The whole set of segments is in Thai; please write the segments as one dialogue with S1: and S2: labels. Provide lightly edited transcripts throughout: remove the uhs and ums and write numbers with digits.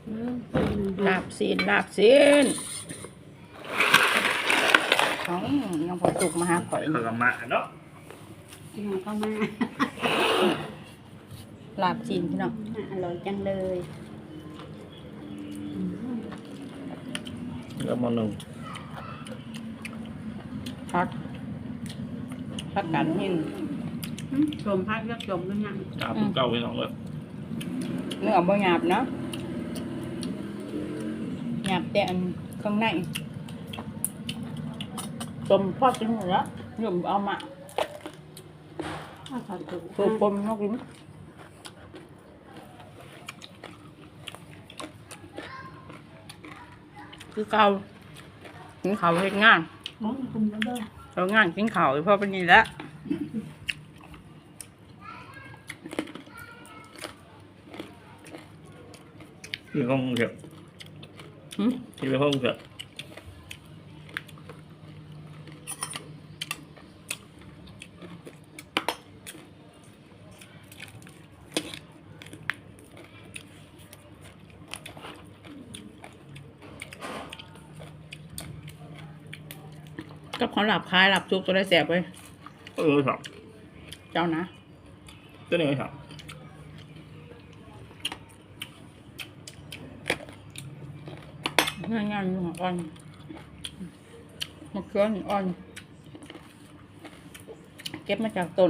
S1: ลาบซีนของยังพอสุกมาหาข่อย
S2: ขลมาเนาะ
S3: ยังเข้ามา
S1: ลาบซีนพี่น้อง
S3: อร่อยจังเลย
S2: แล้วมาหนึ่ง
S1: พักกันหิน
S3: ชมพักยักษ์ชมด้วยนะ
S2: ตาเป็นเก้าไปสองเลย
S1: เนื้อบ่หยาบเนาะหยาบแต่อันข้างในจมพอดจนหมดแล้วหยุ่มเอามา
S3: ถ้าเขาถูก
S1: ตัวปมนกลิ้นคือเก่ากินข้าวเฮ็ดงาน
S3: มองคุณก็ได้
S1: เอางานกินข้าวพอเป็นนี่แหละ
S2: ที่ห้องเถอะ
S1: หึ
S2: ที่ไปห้องเถอะ
S1: กับของหลับคลายหลับจุกตัวได้แสบไป
S2: ครับ
S1: เจ้านะ
S2: ตัวนี้ครับ
S1: ง่ายๆอยู่หัวอ่อนมะเขือหิอ่อน เก็บมาจากต้น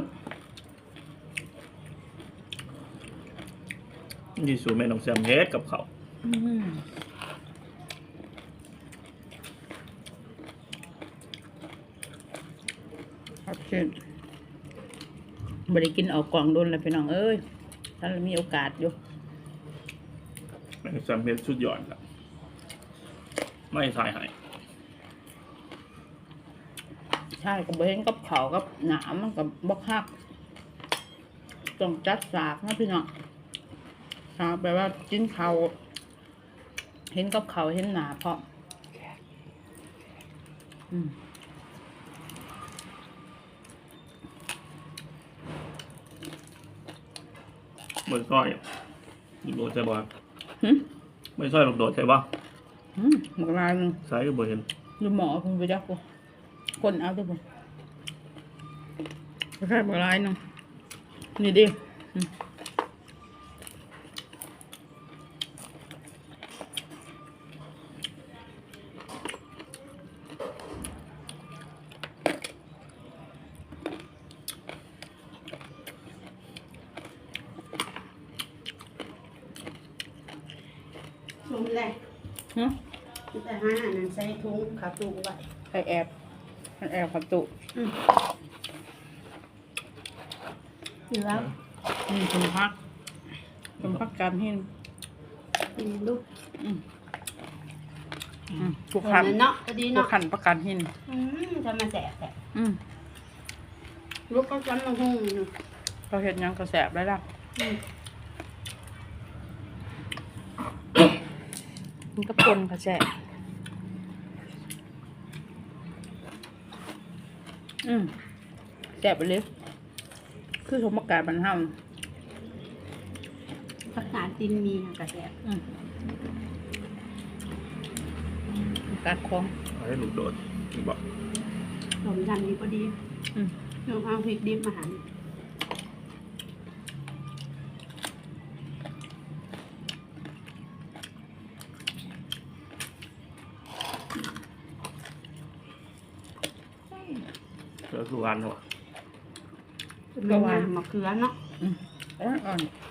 S2: นี่สูตรแม่น้องแซมเฮ็ดกับเขา
S1: ครับเช่นบริกินออกกล่องโดนแล้วพี่น้องเอ้ยถ้าเรามีโอกาสอยู่
S2: แม่น้องแซมเฮ็ดสุดยอดครับไม่ทายให้
S1: ใช่กับบเห็นกับเขาวกับหนามมันกับบกฮักต้องจัดสากนะพี่น้องสากแปลว่ากินเขาวเห็นกับเขาวเห็นหนาเพราะอืม
S2: ไม่ซ้อยลูกโดดใช่ป่ะ
S1: หึ
S2: ไม่ซ้อยลูกโดดใช่ป่ะ
S1: หมกลายหนึง
S2: ใส่ก็บ่เห็น
S1: ดูหมอคุณไปจักกูคนเอาด้วยผมแค่หมกลายหนึงนี่ดิ
S3: ชมเลย
S1: ฮะ
S3: แต่ห้าอันนั้นใส่ถุงขาตูไว้
S1: ใครแอบมันแอบขับตุ
S3: อยู่แล้ว
S1: นี่คุณพักคุณพักการหิน
S3: กินลูก
S1: ทุก
S3: คน
S1: ขัน
S3: นั้นเนาะพอดี
S1: ทุก
S3: เนาะ
S1: ขันประกันหิน
S3: จะมาแสบแต่
S1: อืม
S3: ลูกก็จำมาหุ้ง
S1: เขาเห็นยังกระแสบได้ละมันก็ปนกระแสบแสบไปเลยคือสมการบรรเทา
S3: ภาษาจีนมีกระแสบ
S1: การคล้อง
S2: เอาให้ลูกโดดบอก
S3: สมยันดีพอดีลองเอาพริกดิบมาหั่น
S2: เสือสุวรรณเหรอ
S3: เป็นงานมะเขือเนาะ
S1: อ่อน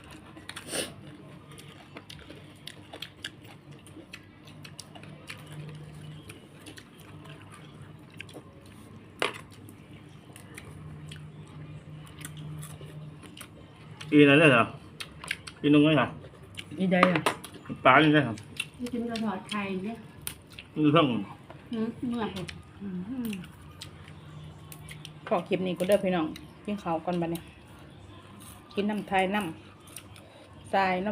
S2: อีนั่นเลยเหรออีนุ่งไงครับ
S1: อีใดอ่ะ
S2: ปลานี่ได้ครับ
S3: กินกระถอดไข่เนี่ย
S2: นี่เพิ่ง
S3: เมื่อย
S1: ขอคลิปนี้ก็เด้อพี่น้องกินข้าวก่อนบัดนี้กินน้ำไทยน้ำทรายน้ำ